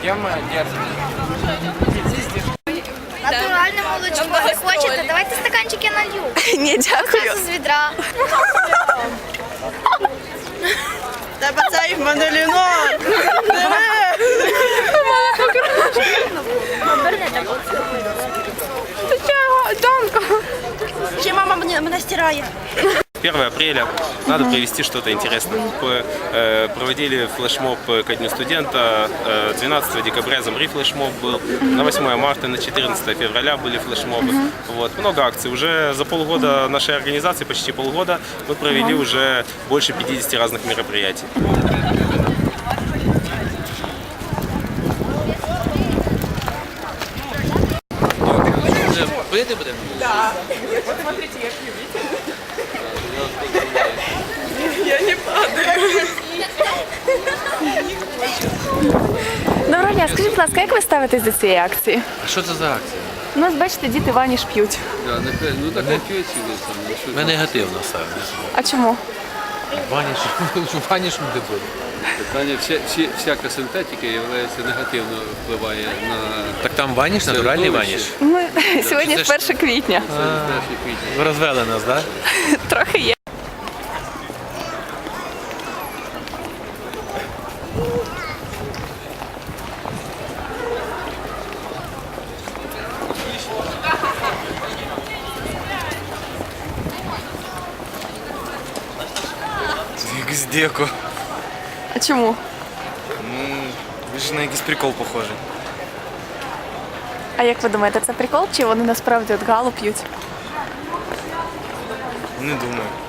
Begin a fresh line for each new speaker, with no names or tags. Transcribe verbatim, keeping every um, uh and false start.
Кем держите?
Натуральне молочко. Ви хочете? Давайте стаканчик я налью.
Ні, дякую.
Це з відра.
Тебе це їх манолінон. Ще мама мене, мене стирає.
первое апреля надо провести что-то интересное. Проводили флешмоб ко Дню студента, двенадцатого декабря Замри флешмоб был, на восьмое марта, на четырнадцатое февраля были флешмобы. Вот. Много акций. Уже за полгода нашей организации, почти полгода, мы провели уже больше пятидесяти разных мероприятий.
Пити будемо?
Да. Вот смотрите, я пью, видите? Я не падаю.
Доброго дня, скажіть, будь ласка, як ви ставитесь до цієї акції?
А що це за акція?
У нас, бачите, діти ваніш п'ють.
Да, нехай, ну так не п'ють сюди.
Ми негативно ставимося.
А чому?
Ваніш, ваніш не буде.
Питання, вся, всі- всяка синтетика являється негативно впливає на
Так там ваніш, натуральний ваніш?
Ми сьогодні
це
ж
ж-
перше квітня.
перший квітня.
Ви розвели нас, так?
Трохи є.
Якийсь деко.
А чому?
Ви ж на якийсь прикол похожий.
А як ви думаєте, це прикол, чи вони насправді от галу п'ють?
Не думаю.